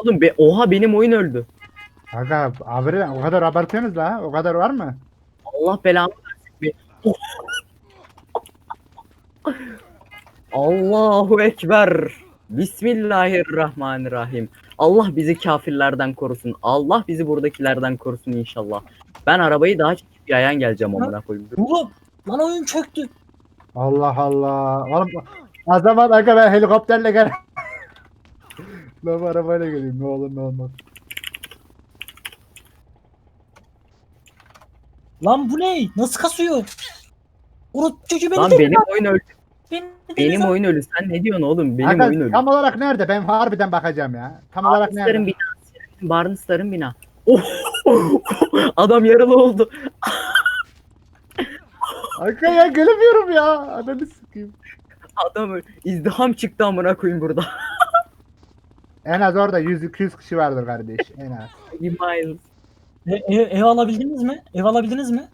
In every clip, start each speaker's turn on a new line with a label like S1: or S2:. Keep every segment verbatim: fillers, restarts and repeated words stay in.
S1: Oğlum be, oha benim oyun öldü.
S2: Aga abi o kadar abartıyorsunuz la. O kadar var mı?
S1: Allah belamı versin be. Oh, Allahu Ekber. Bismillahirrahmanirrahim. Allah bizi kafirlerden korusun. Allah bizi buradakilerden korusun inşallah. Ben arabayı daha çekip yayan geleceğim amına koyayım.
S3: Oğlum lan oyun çöktü.
S2: Allah Allah. Oğlum o zaman aga ben helikopterle gel. Ben bu arabayla geleyim ne olur ne olmaz.
S3: Lan bu ne? Nasıl kasıyor? Urut çocuğu beni
S1: Lan
S3: deli
S1: benim
S3: lan.
S1: oyun öldü.
S3: Beni deli
S1: Benim
S3: lan.
S1: oyun ölü. Sen ne diyorsun oğlum? Benim
S2: Aga,
S1: oyun ölü.
S2: tam olarak nerede? Ben harbiden bakacağım ya. Tam olarak
S1: Barnısların
S2: nerede?
S1: bina. Barnısların bina. Oh! Adam yaralı oldu.
S2: Aga ya gelemiyorum ya. Ananı sikeyim.
S1: Adam izdiham çıktı amına koyayım burada.
S2: En az orada yüz iki yüz kişi vardır kardeş. En az.
S1: Miles.
S3: E, ev, ev alabildiniz mi? Ev alabildiniz mi?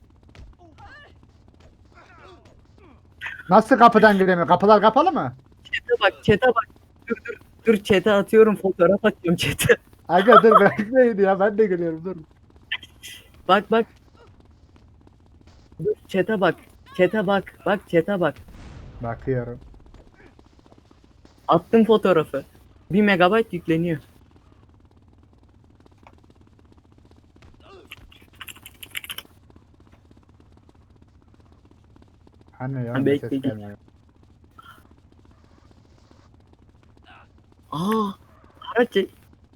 S2: Nasıl kapıdan giremiyor? Kapılar kapalı mı?
S1: Çete bak, çete bak. Dur dur. Dur çete atıyorum, fotoğraf atıyorum çete.
S2: Aga dur bekleyin ya ben de geliyorum dur.
S1: Bak bak. Dur çete bak. Çete bak. Bak çete bak.
S2: Bakıyorum.
S1: Attım fotoğrafı. Bir megabayt yükleniyor.
S2: Hani ya
S1: Ha,
S2: ses
S1: bekle, git.
S2: gelmiyor.
S1: Aa, araç çek.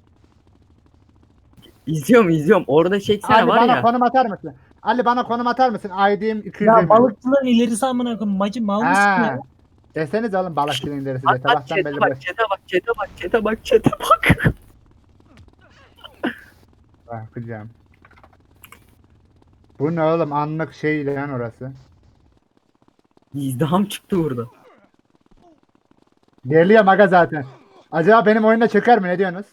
S1: İzliyorum izliyorum. Orada çeksene
S2: Ali
S1: var
S2: bana
S1: ya.
S2: konum atar mısın? Ali bana konum atar mısın? I D'm iki yüz
S3: Ya
S2: yirmi.
S3: balıkçıların ilerisi amına koyayım. Macı mal mısın
S2: Ha.
S3: ya?
S2: Deseniz oğlum balıkçının derisi de
S1: Bak bak
S2: sabahtan
S1: çete
S2: belli
S1: bak,
S2: boş.
S1: çete bak, çete bak, çete bak, çete bak.
S2: Bakacağım. Bu ne oğlum anlık şey lan orası.
S1: İzdiham çıktı burada.
S2: Geliyorum aga zaten. Acaba benim oyunda çöker mi ne diyorsunuz?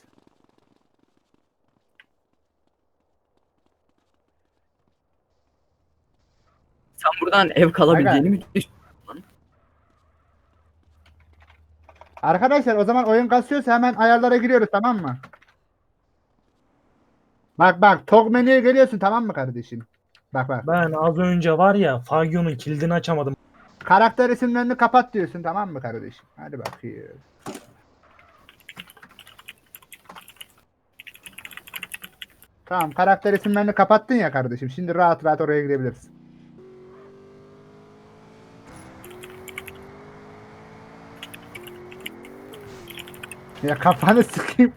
S1: Sen buradan ev kalabileceğini mi düşünüyorsun?
S2: Arkadaşlar o zaman oyun kasıyorsa hemen ayarlara giriyoruz tamam mı? Bak bak Tog menüye geliyorsun tamam mı kardeşim? Bak bak.
S3: Ben az önce var ya Fagio'nun kilidini açamadım.
S2: Karakter isimlerini kapat diyorsun tamam mı kardeşim? Hadi bakayım. Tamam karakter isimlerini kapattın ya kardeşim. Şimdi rahat rahat oraya girebilirsin. Ya kafanı sıkayım.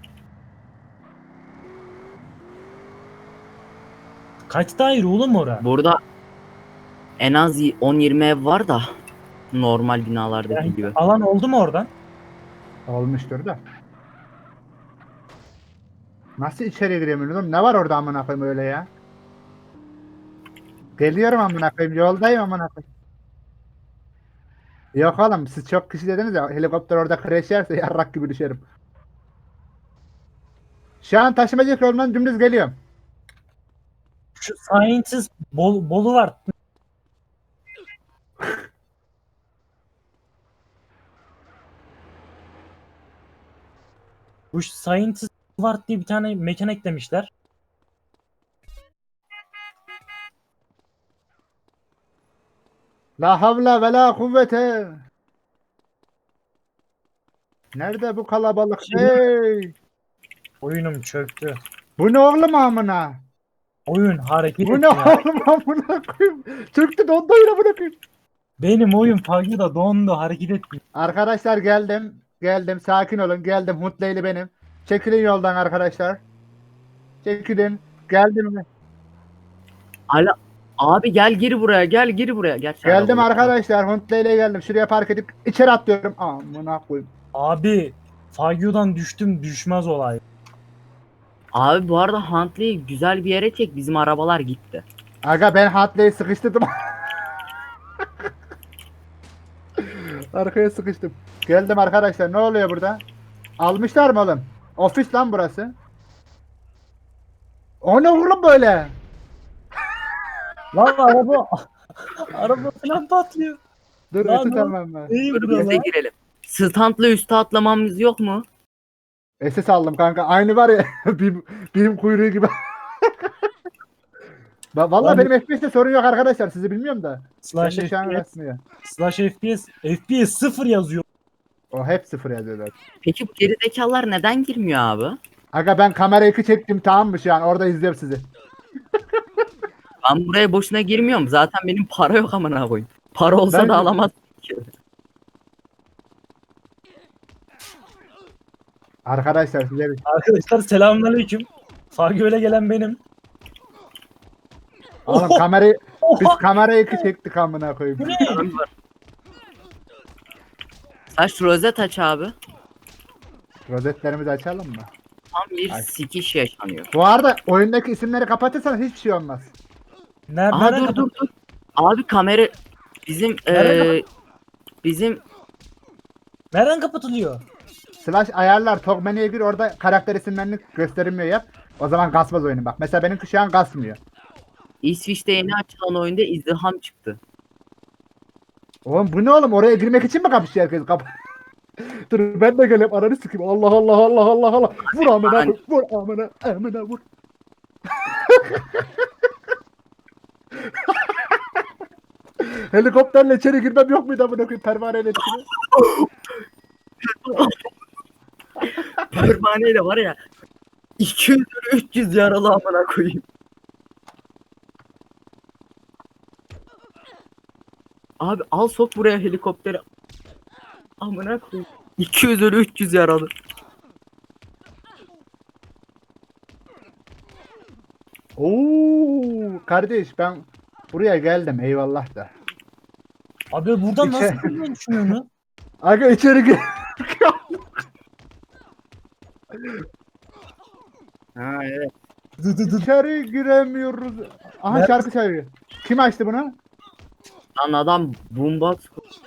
S3: Kaç daire oğlum ora?
S1: Burada en az on yirmi ev var da normal binalardaki
S3: Yani
S1: gibi.
S3: alan oldu mu oradan?
S2: Olmuştur da. Nasıl içeri giremiyorum oğlum? Ne var orada amına koyayım öyle ya? Geliyorum amına koyayım. Yoldayım amına koyayım. Yok oğlum siz çok kişi dediniz ya helikopter orada crash yerse yarrak gibi düşerim. Şu an taşımacı yolundan dümdüz geliyorum.
S3: Şu Scientist bol, bolu var. Bu Scientist var diye bir tane mekan eklemişler.
S2: La havla ve la kuvvete. Nerede bu kalabalık? Hey!
S3: Oyunum çöktü.
S2: Bu ne oğlum amına?
S3: Oyun hareket
S2: Bu
S3: etti
S2: ne
S3: ya.
S2: oğlum amına koyayım? Çöktü dondu yine amına koyayım.
S3: Benim oyun Fagio'da dondu hareket etti.
S2: Arkadaşlar geldim. Geldim. Sakin olun. Geldim. Hutleyli benim. Çekilin yoldan arkadaşlar. Çekilin. Geldim mi?
S1: Ala abi gel gir buraya, gel gir buraya. Gel sen
S2: Geldim
S1: arabalara.
S2: arkadaşlar. Hutleyli'ye geldim. Şuraya park edip içeri atlıyorum. Amına koyayım.
S3: Abi Fagio'dan düştüm düşmez olay.
S1: Abi bu arada Huntley'i güzel bir yere çek. Bizim arabalar gitti.
S2: Aga ben Hutley'i sıkıştırdım. Arkaya sıkıştım. Geldim arkadaşlar. Ne oluyor burada? Almışlar mı oğlum? Ofis lan burası. O ne oğlum böyle?
S3: Lan araba araba falan patlıyor.
S2: Dur
S3: Lan
S2: eti
S3: ne-
S2: tamam ben.
S3: İyi
S1: Dur
S3: burada
S1: bize
S3: lan.
S1: girelim. Standla üste atlamamız yok mu?
S2: S S aldım kanka. Aynı var ya birim, birim kuyruğu gibi. Va- Vallahi
S3: Lan-
S2: benim F P S'te sorun yok arkadaşlar. Sizi bilmiyorum da.
S3: Slash
S2: Bende şu an
S3: F P S,
S2: resmiyor.
S3: slash F P S, F P S sıfır yazıyor.
S2: O hep sıfır yazıyorlar.
S1: Peki bu gerizekalılar neden girmiyor abi?
S2: Aga ben kamera iki çektim tamam mı şu an? Orada izliyorum sizi.
S1: Ben buraya boşuna girmiyorum. Zaten benim para yok amına koyayım. Para olsa
S2: Ben-
S1: da alamaz.
S2: Arkadaşlar size bir...
S3: Arkadaşlar selamünaleyküm. Fagöle gelen benim.
S2: Oğlum
S3: Oho!
S2: kamerayı... Biz
S3: Oha!
S2: kamera iki çektik amına koyayım.
S3: Bu ne?
S1: Saç rozet aç abi.
S2: Rozetlerimizi açalım mı?
S1: Tam bir
S2: Ay.
S1: sikiş yaşanıyor.
S2: Bu arada oyundaki isimleri kapatırsan hiçbir şey olmaz.
S3: Nerede?
S1: Aa
S3: nereden
S1: dur dur
S3: kapat-
S1: dur. Abi kamera bizim
S3: Nereden
S1: eee bizim
S3: Nereden kapatılıyor?
S2: Slash ayarlar Tog menüye gir orada karakter isimlerini gösterilmiyor yap. O zaman kasmaz oyunu bak. Mesela benimki şu an kasmıyor.
S1: İsviçre'de yeni açılan oyunda izdiham çıktı.
S2: Oğlum bu ne oğlum? Oraya girmek için mi kapışıyor herkes? Kap Dur ben de geleyim ananı sikeyim. Allah Allah Allah Allah Allah. Vur amına koy. Vur amına amına vur. Helikopterle içeri girmem yok muydu amına koyayım pervaneyle içine?
S1: Pervaneyle var ya iki yüz üç yüz yaralı amına koyayım. Abi al sok buraya helikopteri. Amına koyayım. iki yüz ölü üç yüz yaralı.
S2: Oo kardeş ben buraya geldim eyvallah da.
S3: Abi buradan
S2: İçe-
S3: nasıl girmeyi düşünüyorsun?
S2: Aga içeri gir.
S1: Ha evet.
S3: Dı dı dı.
S2: İçeri giremiyoruz. Aha
S3: Nerede?
S2: şarkı söylüyor. Kim açtı bunu?
S1: Lan adam boombox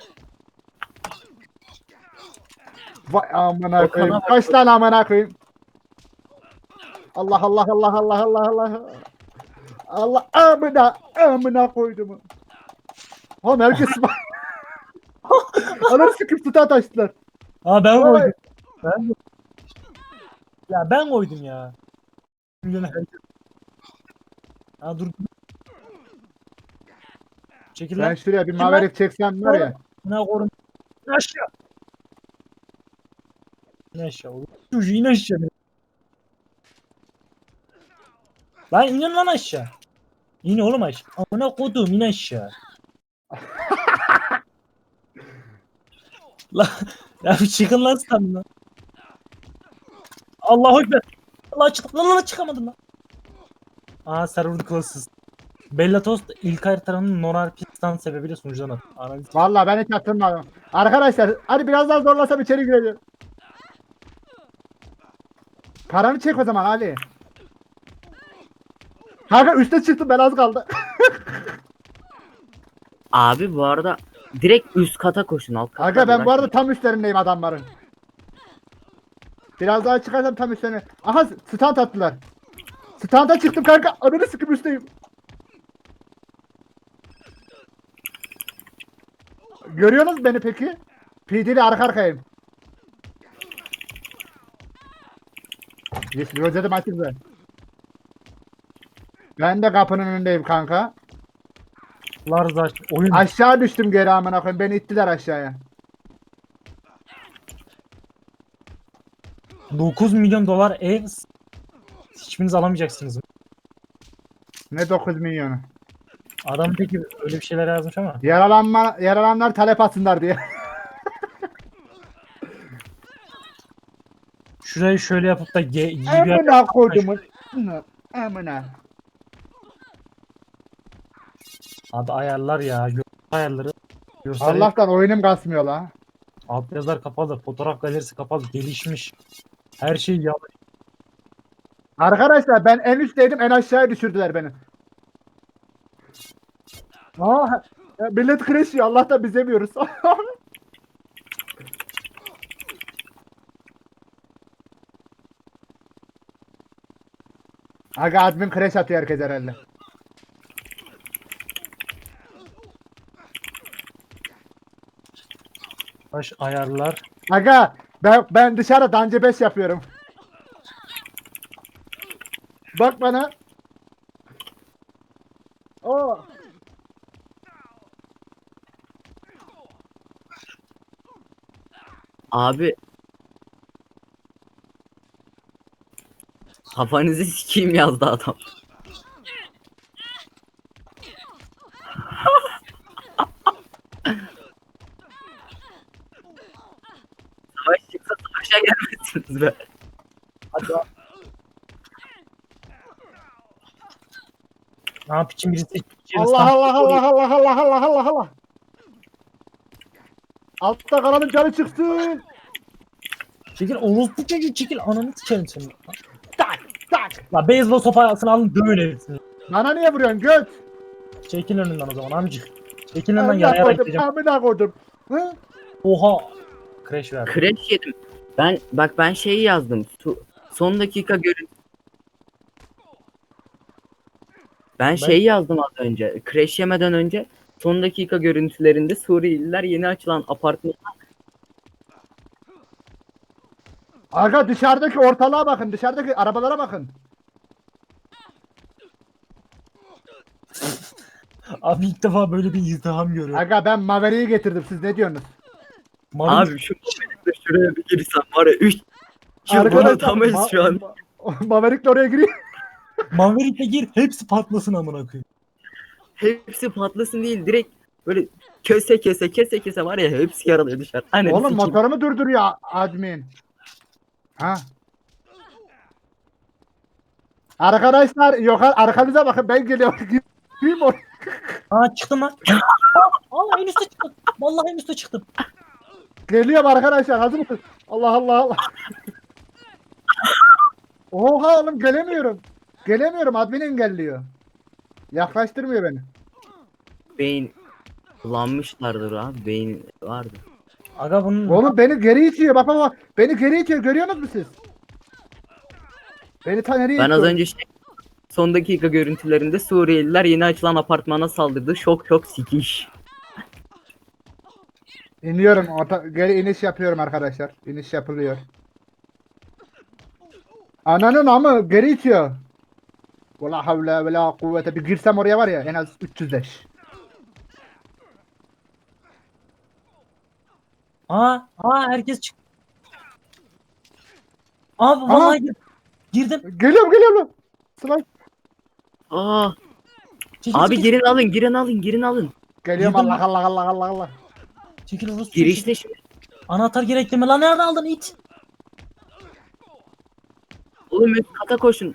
S2: Vay amına
S1: Okan'a
S2: koyayım.
S1: bak.
S2: Kaç tane amına koyayım. Allah Allah Allah Allah Allah Allah. Allah amına amına koydum. Oğlum herkes Anam sıkıp tuta açtılar.
S3: Aa ben
S2: Vay.
S3: koydum. Ben Ya ben koydum ya. Milyon herkes. Ha dur. Çekil
S2: Ben
S3: lan.
S2: şuraya bir
S3: Kim
S2: maverick çeksem var ya.
S3: Ne korun. İn aşağı. İn aşağı oğlum. Çocuğu in aşağı. Lan inin lan aşağı. İn oğlum aşağı. Amına kodum in aşağı. Lan ya bir çıkın lan sen lan. Allahu Ekber. Allah çık lan lan çıkamadım lan. Aa server closed. Bellatos ilk haritanın non-R P stand sebebiyle sunucudan attı. Analiz.
S2: Vallahi ben hiç hatırlamadım. Arkadaşlar hadi biraz daha zorlasam içeri gireceğim. Paranı çek o zaman Ali. Kanka üste çıktım ben az kaldı.
S1: Abi bu arada direkt üst kata koşun alt kata.
S2: Aga ben bu
S1: bırakmayın.
S2: arada tam üstlerindeyim adamların. Biraz daha çıkarsam tam üstlerine. Aha stand attılar. Standa çıktım kanka. Ananı sıkıp üstteyim. Görüyorsunuz beni peki? P D ile arka arkayım. Yes, rozetim açıldı. Ben de kapının önündeyim kanka.
S3: Larza oyun.
S2: Aşağı düştüm geri amına koyayım. Beni ittiler aşağıya.
S3: dokuz milyon dolar ev. Hiçbiriniz alamayacaksınız.
S2: Ne dokuz milyonu.
S3: Adam peki öyle bir şeyler yazmış ama.
S2: Yaralanma, yaralanlar talep atsınlar diye.
S3: Şurayı şöyle yapıp da ge- iyi bir yer-
S2: Amına koydumun. Amına.
S3: Abi ayarlar ya. Gör ayarları. Görsel
S2: Allah'tan oyunum kasmıyor la.
S3: alt yazılar kapalı. Fotoğraf galerisi kapalı. Gelişmiş. Her şey ya.
S2: Arkadaşlar ben en üstteydim en aşağıya düşürdüler beni. Aa, ya millet crash yiyor Allah'tan biz yemiyoruz. Aga admin crash atıyor herkes herhalde.
S3: Baş ayarlar.
S2: Aga ben, ben dışarıda Dance beş yapıyorum. Bak bana. Aa.
S1: Abi kafanızı sikeyim yazdı adam. Savaş çıksa savaşa gelmezsiniz be.
S3: Hadi. Ne yap için birisi
S2: Allah Allah Allah Allah Allah Allah Allah Allah. Altta kalanın canı çıksın.
S3: Çekil orospu çocuğu çekil ananı sikerim seni.
S2: Tak tak.
S3: La beyzbol sopasını alın dövün hepsini.
S2: Bana niye vuruyorsun göt?
S3: Çekil önünden o zaman amcık. Çekil önünden
S2: Amına
S3: yarayarak
S2: koydum,
S3: gideceğim.
S2: amına koydum. Hı?
S3: Oha. Crash verdi.
S1: Crash yedim. Ben bak ben şeyi yazdım. Su, son dakika görün. Ben, şeyi yazdım az önce. Crash yemeden önce son dakika görüntülerinde Suriyeliler yeni açılan apartman.
S2: Aga dışarıdaki ortalığa bakın, dışarıdaki arabalara bakın.
S3: Abi ilk defa böyle bir izdiham görüyorum.
S2: Aga ben Maverick'i getirdim, siz ne diyorsunuz?
S3: Maverick-
S1: Abi şu momentte şuraya bir girsem var ya üç yıl atamayız
S2: Ma-
S1: şu an.
S2: Ma- Maverick'le oraya giriyor.
S3: Maverick'e gir hepsi patlasın amına koyayım.
S1: Hepsi patlasın değil direkt böyle köse kese kese kese var ya hepsi yaralıyor dışarı. Hani
S2: Oğlum motorumu durduruyor admin. Ha. Arkadaşlar yok arkanıza bakın, ben geliyorum. Gireyim oraya.
S3: Aa çıktım lan. Aa en üstte çıktım. Vallahi en üstte çıktım.
S2: Geliyorum arkadaşlar, hazır mısınız? Allah Allah Allah. Oha oğlum gelemiyorum. Gelemiyorum, admin engelliyor. Yaklaştırmıyor beni.
S1: beyin kullanmışlardır abi beyin vardı.
S3: Aga bunun
S2: Oğlum beni geri itiyor, bak bak bak. Beni geri itiyor, görüyorsunuz mu siz? Beni ta nereye
S1: Ben az
S2: itiyor?
S1: önce şey, son dakika görüntülerinde Suriyeliler yeni açılan apartmana saldırdı. Şok şok sikiş.
S2: İniyorum, orta, geri iniş yapıyorum arkadaşlar. İniş yapılıyor. Ananın amı geri itiyor. Vela havle ve la kuvvete, bir girsem oraya var ya en az üç yüz leş.
S3: Aa, aa herkes çık. Abi vallahi gir- girdim.
S2: Geliyorum geliyorum lan. Sıla.
S1: Aa,
S3: Çekil,
S1: abi
S3: çekil.
S1: girin alın girin alın girin alın.
S2: Geliyorum,
S3: Girdim.
S2: Allah Allah Allah Allah Allah.
S3: Çekil orospu.
S1: Girişte şimdi.
S3: Anahtar gerekli mi? Lan nerede aldın it?
S1: Oğlum üst kata koşun.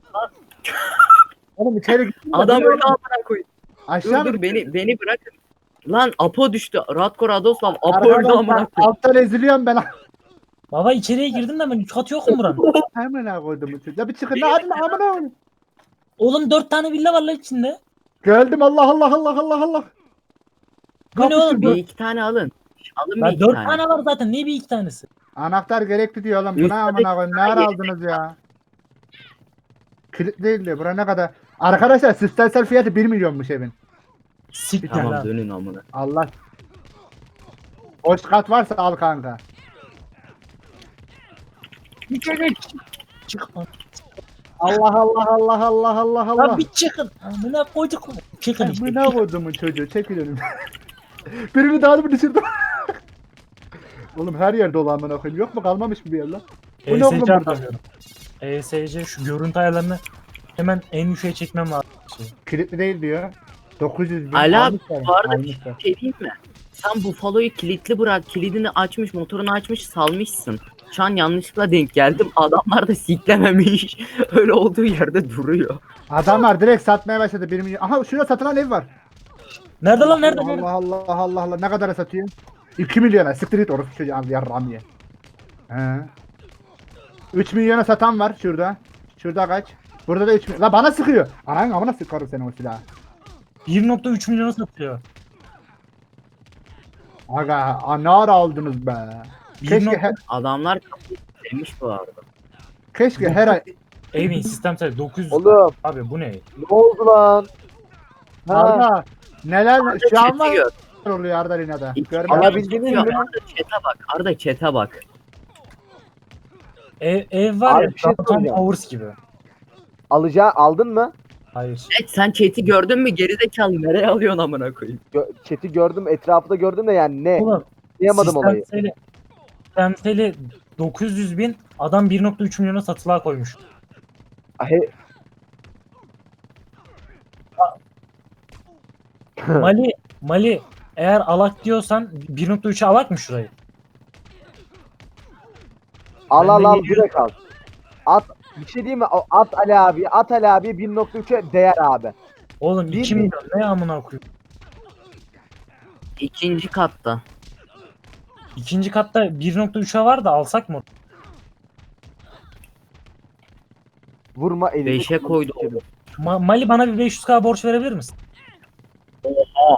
S2: Oğlum içeri gittim.
S1: Adam öyle amına koyun.
S2: Aşağı
S1: Dur
S2: mı?
S1: dur beni beni bırakın. Lan Apo düştü. Radko Radoslav Apo
S2: Arkadan
S1: öldü amına
S2: ben-
S1: koyun.
S2: Alttan eziliyorum ben.
S3: Baba içeriye girdim de ben üç katı yok mu buranın?
S2: Hemen koydum bu çocuğu. Ya bir çıkın. Ne adın amına koyayım.
S3: Oğlum dört tane villa var lan içinde.
S2: Geldim, Allah Allah Allah Allah Allah.
S3: Bu ne
S2: Kapışın
S3: oğlum?
S2: bu.
S1: Bir iki tane alın. Alın bir
S3: Ya
S1: iki
S3: dört
S1: tane.
S3: tane var zaten. Niye bir iki tanesi?
S2: Anahtar gerekli diyor oğlum. Bu ne
S1: Üstteki
S2: amına koyayım? Ne ara
S1: tane
S2: aldınız ya? Kilit değil diyor. Bura ne kadar? Arkadaşlar sistemsel fiyatı bir milyonmuş evin.
S3: Siktir
S1: Tamam
S3: lan.
S1: dönün amına.
S2: Allah. Boş kat varsa al kanka.
S3: İçeri çık. lan.
S2: Allah Allah Allah Allah Allah
S3: Lan
S2: Allah.
S3: bir çıkın. Amına koyduk mu? Çıkın işte.
S2: Amına koyduğumun çocuğu, çekil önümden. Birini daha mı düşürdüm? Oğlum her yerde olan amına koyayım. Yok mu, kalmamış mı bir yer lan? Bu ne oğlum
S3: E S C
S2: burada?
S3: atamıyorum. E S C şu görüntü ayarlarını hemen en yükseğe çekmem lazım.
S2: Kilitli değil diyor. dokuz yüz bin.
S1: Ala
S2: almışlar,
S1: bu arada
S2: almışlar.
S1: bir şey diyeyim mi? Sen Buffalo'yu kilitli bırak. Kilidini açmış, motorunu açmış, salmışsın. Şu an yanlışlıkla denk geldim. Adamlar da siklememiş. Öyle olduğu yerde duruyor.
S2: Adamlar direkt satmaya başladı bir milyon. Aha şurada satılan ev var.
S3: Nerede lan nerede? nerede?
S2: Allah Allah Allah Allah Allah. Ne kadara satıyor? iki milyona. Siktir git orası çocuğu al yarram ye. He. üç milyona satan var şurada. Şurada kaç? Burada da üç milyon. La bana sıkıyor. Anan amına sıkarım seni o silahı.
S3: bir nokta üç milyona satıyor.
S2: Aga a, ne ara aldınız be. Keşke
S3: nokta-
S2: her,
S1: Adamlar demiş bu arada.
S2: keşke her ay.
S3: Evin sistem sayısı dokuz yüz.
S4: Oğlum
S3: Abi bu ne?
S4: ne oldu lan? Ha,
S2: Arda neler şu an
S1: Chat'i
S2: var
S1: gör.
S2: oluyor Arda Lina'da.
S1: İki-
S2: Görme.
S4: Alabildiniz
S1: Arda
S4: mi?
S1: chat'e bak. Arda chat'e bak.
S3: Ev, ev var
S4: Abi
S3: ya
S4: bir şey
S3: Downtown
S4: soracağım.
S3: Towers gibi.
S4: Alacağı aldın mı?
S3: Hayır.
S1: Evet, sen chat'i gördün mü? Gerizekalı nereye alıyorsun amına koyayım?
S4: Gö- Chat'i gördüm, etrafı da gördüm de yani ne?
S3: Oğlum
S4: Anlayamadım olayı.
S3: sistemseli, sistemseli dokuz yüz bin adam bir nokta üç milyona satılığa koymuş.
S4: He-
S3: Mali Mali eğer alak diyorsan bir nokta üçe alak mı şurayı?
S4: al al
S3: Bende
S4: al
S3: yedi yüz
S4: direkt al. At bir şey diyeyim mi? O- At Ali abi, at Ali abi bir nokta üçe değer abi.
S3: Oğlum
S4: Bir
S3: iki
S4: bin-
S3: milyon ne amına koyayım.
S1: İkinci katta.
S3: İkinci katta bir nokta üçe var da alsak mı?
S4: Vurma elini.
S1: Beşe koydu.
S3: Ma- Mali bana bir beş yüz k borç verebilir misin?
S1: Oha.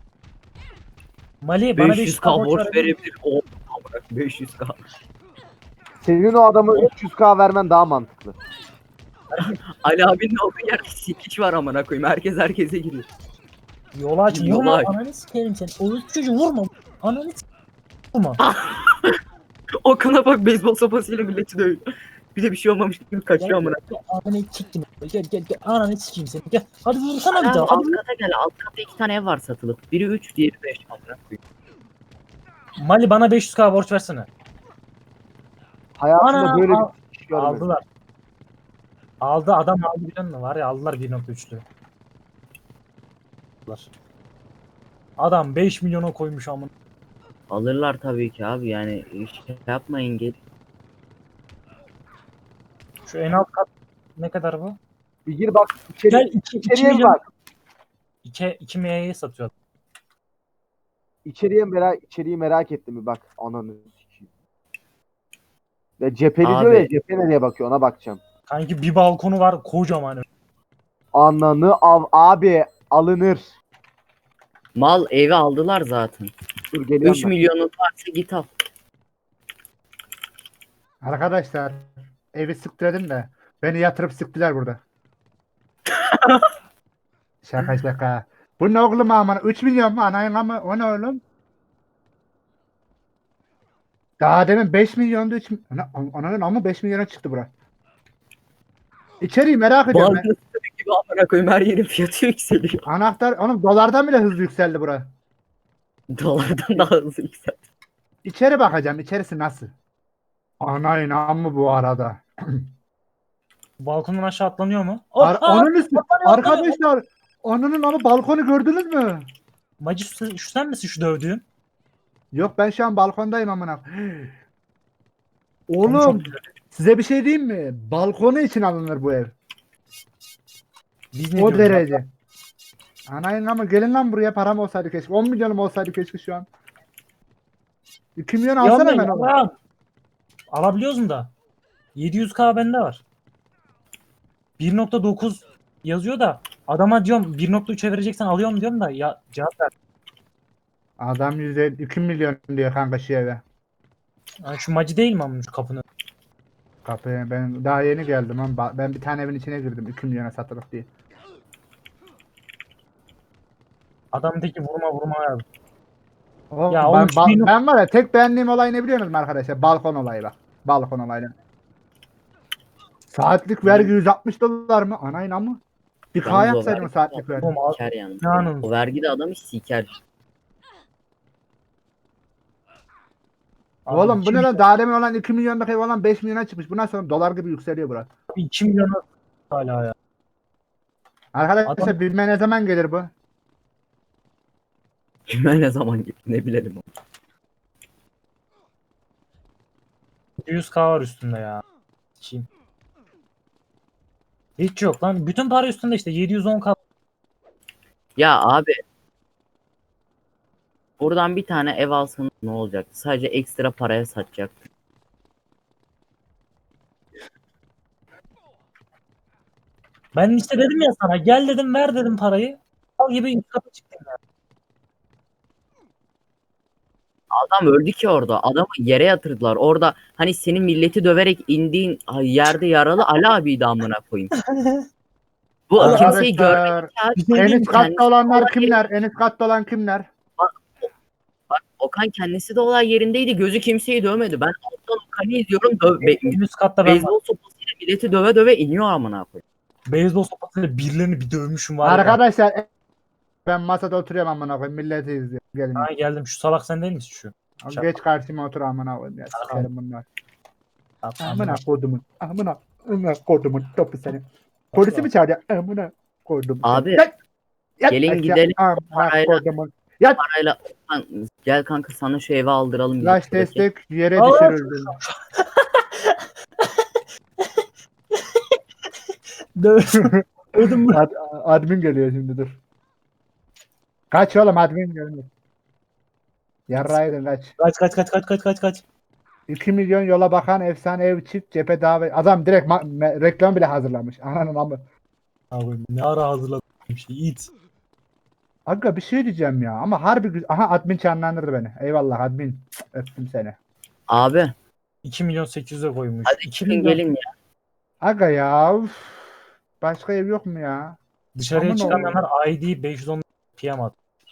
S3: Mali bana beş yüz
S1: beş yüz
S3: k
S1: k
S3: borç
S1: borç
S3: verebilir misin?
S1: verebilir. Oha amına beş yüz k.
S4: Senin o adamı üç yüz k vermen daha mantıklı.
S1: Ali abinin olduğu yerde sikiş var amına koyayım. Herkes herkese giriyor.
S3: Yola aç.
S1: Yola
S3: Vurma
S1: aç.
S3: ananı sikerim seni. Oğuz çocuğu vurma. Ananı s- vurma.
S1: Okan'a bak beyzbol sopasıyla milleti dövüyor. Bir de bir şey olmamış gibi kaçıyor amına.
S3: Gel, Ananı siktim. Gel gel gel. Ananı sikeyim seni. Gel. Hadi vursana bir
S1: Abi,
S3: daha.
S1: alt
S3: Hadi.
S1: kata gel. Alt katta iki tane ev var satılık. Biri üç, diğeri beş amına koyayım.
S3: Mali bana beş yüz k borç versene.
S4: Hayatımda
S3: Ana,
S4: böyle
S3: al-
S4: bir iş görmedim.
S3: Aldılar. Aldı adam aldı biliyor musun? Var ya aldılar bir nokta üçlü. Aldılar. Adam beş milyona koymuş amına.
S1: Alırlar tabii ki abi yani şey yapmayın gel.
S3: Şu en alt kat ne kadar bu?
S4: Bir gir bak içeri,
S3: Gel iki, iki
S4: içeriye
S3: milyon.
S4: bak.
S3: İki, iki milyaya satıyor.
S4: İçeriye merak, içeriği merak ettim bir bak. Ananı sikeyim. Ya cepheli
S1: Abi.
S4: diyor ya, cephe nereye bakıyor ona bakacağım.
S3: Kanki bir balkonu var kocaman.
S4: Ananı av abi alınır.
S1: Mal evi aldılar zaten.
S4: Dur geliyorum
S1: üç
S4: ben.
S1: milyonun varsa git al.
S2: Arkadaşlar evi sıktırdım da beni yatırıp sıktılar burada. Şaka şaka. Bu ne oğlum aman? üç milyon mu? Anayın ama o ne oğlum? Daha demin beş milyondu. üç Ana, ananın ama beş milyona çıktı bura. İçeriği merak ediyorum ben.
S1: Bazı gibi amına koyayım her yerin fiyatı yükseliyor.
S2: Anahtar, oğlum dolardan bile hızlı yükseldi bura.
S1: Dolardan daha hızlı yükseldi.
S2: İçeri bakacağım. İçerisi nasıl? Anayın amma bu arada.
S3: Balkondan aşağı atlanıyor mu?
S2: Ar
S3: Aa,
S2: onun üstü.
S3: atlanıyor, atlanıyor.
S2: Arkadaşlar onun ama balkonu gördünüz mü?
S3: Macı şu, şu sen misin şu dövdüğün?
S2: Yok ben şu an balkondayım amına.
S3: Oğlum
S2: Oğlum
S3: çok güzel.
S2: size bir şey diyeyim mi? Balkonu için alınır bu ev.
S3: Biz ne
S2: O
S3: diyoruz lan?
S2: derece. Anayın ama gelin lan buraya param olsaydı keşke. on milyonum olsaydı keşke şu an. iki milyon
S3: Yok
S2: alsana
S3: be,
S2: hemen oğlum.
S3: ya. Alabiliyoruz mu da? yedi yüz k bende var. bir nokta dokuz yazıyor da adama diyorum bir nokta üçe vereceksen alıyorum diyorum da ya cevap ver.
S2: Adam yüzde iki milyon diyor kanka şu eve.
S3: Yani şu macı değil mi ama şu kapını?
S2: Kapıya ben daha yeni geldim ama ben bir tane evin içine girdim iki milyona satılık diye.
S3: Adamdaki vurma vurma ya.
S2: Oğlum,
S3: Ya
S2: ben,
S3: oğlum,
S2: ba-
S3: şu bin-
S2: ben var ya tek beğendiğim olay ne biliyor musunuz arkadaşlar? Balkon olayı bak. Balkon olayı. Saatlik vergi yüz altmış dolar mı? Ana inan mı? Bir K
S1: Yalnız o
S2: yapsaydın
S1: vergi-
S2: saatlik vergi.
S3: Oğlum, al-
S1: Siker yani.
S3: İnanın.
S1: O vergide adam hiç siker.
S3: Abi
S2: Oğlum bu
S3: iki
S2: ne lan?
S3: milyon-
S2: Daha demin olan iki milyondaki ev olan beş milyona çıkmış. Bundan sonra dolar gibi yükseliyor burası.
S3: iki milyon hala ya.
S2: Arkadaşlar
S3: Adam-
S2: bilme ne zaman gelir bu?
S1: Kime ne zaman gitti ne bilelim.
S3: yüz k var üstünde ya. Kim? Hiç yok lan. Bütün para üstünde işte yedi yüz on k.
S1: Ya abi. Buradan bir tane ev alsanız ne olacaktı? Sadece ekstra paraya satacaktı.
S3: Ben işte dedim ya sana gel dedim ver dedim parayı. Al gibi yüz katı çıktı ya.
S1: Adam öldü ki orada. Adamı yere yatırdılar. Orada hani senin milleti döverek indiğin yerde yaralı Ali abiydi amına koyayım. Bu
S2: Arkadaşlar,
S1: kimseyi görmedik ya.
S3: Bir şey
S2: En
S3: diyeyim
S2: üst
S3: mi?
S2: katta olanlar
S1: olay
S2: kimler? En üst katta olan kimler?
S1: Okan kendisi de olay yerindeydi. Gözü kimseyi dövmedi. Ben alttan Okan'ı izliyorum. Döv, be,
S3: En üst katta ben var.
S1: beyzbol sopasıyla milleti döve döve iniyor amına koyayım.
S3: Beyzbol sopasıyla birilerini bir dövmüşüm var ya.
S2: Arkadaşlar ben masada oturuyorum amına koyayım. Milleti izliyorum. Gelin.
S3: Ha, geldim. Şu salak sen değil misin şu? Şap-
S2: Geç karşıma otur amına koyayım ya.
S3: Tamam.
S2: Sikerim bunlar.
S3: Tamam,
S2: Amına kodumun. Amına. Amına kodumun topu seni. Polisi mi çağıracak? Amına kodumun.
S1: Abi,
S2: Yat! Yat
S1: gelin
S2: aşağı.
S1: gidelim.
S2: Amına
S1: Parayla-
S2: kodumun. Yat!
S1: Parayla Lan, gel kanka sana şu eve aldıralım.
S2: Flash
S1: bizim buradaki.
S2: destek yere
S3: Aa!
S2: düşürüldü.
S3: Dövdüm. Dövdüm bunu.
S2: Ad, admin geliyor şimdi dur. Kaç oğlum admin geliyor. Yarraydın kaç.
S3: Kaç kaç kaç kaç kaç kaç kaç.
S2: iki milyon yola bakan efsane ev çift cephe davet. Adam direkt ma- me- reklam bile hazırlamış. Ananın amı.
S3: Abi ne ara hazırladım bir şey. İt.
S2: Aga bir şey diyeceğim ya ama harbi güzel. Aha admin canlandırdı beni. Eyvallah admin. Öptüm seni.
S1: Abi
S3: iki milyon sekiz yüze koymuş.
S1: hadi
S3: iki
S1: çıkın
S3: milyon.
S1: gelin ya.
S2: Aga ya. Uf. Başka ev yok mu ya?
S3: Dışarıya
S2: Aman
S3: çıkamayanlar I D beş yüz on P M at.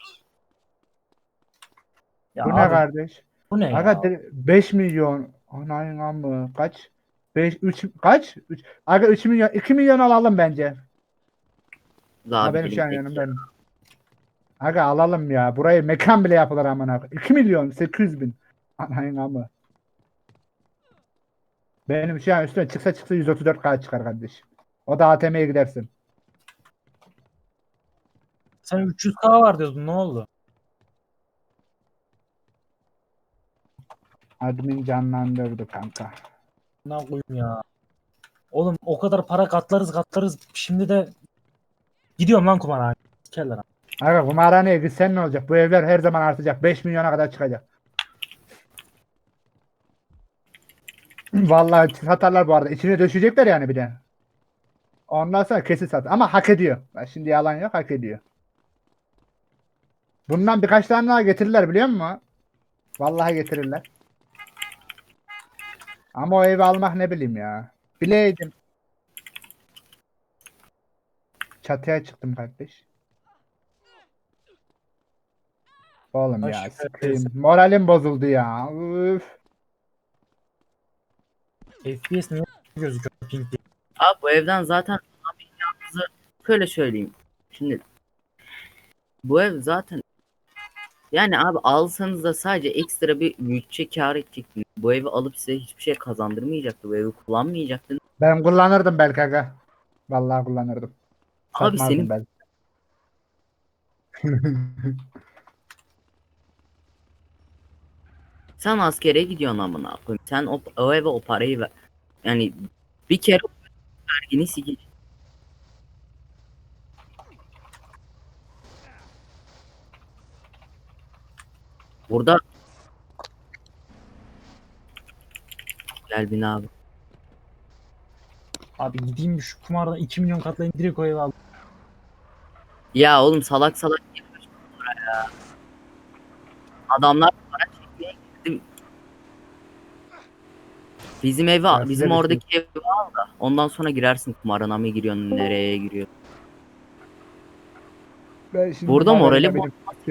S3: Ya
S2: Bu
S3: abi,
S2: ne kardeş?
S3: bu ne
S2: Aga
S3: ya?
S2: de- beş milyon. Anayın amı. Kaç? beş üç kaç? üç Aga üç milyon iki milyon alalım bence. Ha
S1: Abi
S2: benim şu an
S1: gelin
S2: yanımda. Aga alalım ya. Burayı mekan bile yapılır amına. iki milyon sekiz yüz bin. Anayın amı. Benim şu an üstüne çıksa çıksa yüz otuz dört K çıkar kardeş. O da A T M'ye gidersin.
S3: Sen üç yüz K var diyordun, ne oldu?
S2: Admin canlandırdı kanka.
S3: Ne koyayım ya. Oğlum o kadar para katlarız katlarız. Şimdi de gidiyorum lan kumarhaneye. Sikerler abi.
S2: Aga kumarhaneye gitsen ne olacak? Bu evler her zaman artacak. beş milyona kadar çıkacak. Vallahi satarlar bu arada. İçine döşecekler yani bir de. Ondan sonra kesin sat. Ama hak ediyor. Bak şimdi yalan yok, hak ediyor. Bundan birkaç tane daha getirirler biliyor musun? Vallahi getirirler. Ama o evi almak ne bileyim ya. Bileydim. Çatıya çıktım kardeş. Oğlum
S3: Ay,
S2: ya
S3: şükür
S2: sıkayım.
S3: olsun.
S2: Moralim bozuldu ya. Üf.
S3: F P S niye gözüküyor pink diye.
S1: Abi bu evden zaten abi yalnızı şöyle söyleyeyim. Şimdi bu ev zaten yani abi alsanız da sadece ekstra bir bütçe kâr edecektiniz. Bu evi alıp size hiçbir şey kazandırmayacaktı. Bu evi kullanmayacaktınız.
S2: Ben kullanırdım belki aga. Vallahi kullanırdım.
S1: Abi
S2: Satmazdım
S1: senin
S2: belki.
S1: sen askere gidiyorsun amına koyayım. Sen o, o eve o parayı ver. Yani bir kere vergini sikeceksin. Burada gel bin abi.
S3: Abi gideyim şu kumardan iki milyon katlayın direkt o evi al.
S1: Ya oğlum salak salak yapıyorsun buraya. Adamlar para çekmeye gitti. Bizim evi
S2: Ya
S1: bizim
S2: size
S1: oradaki evi al da ondan sonra girersin kumarına mı giriyorsun nereye giriyor.
S2: Ben şimdi
S1: Burada
S2: moralim
S1: morali
S2: benim-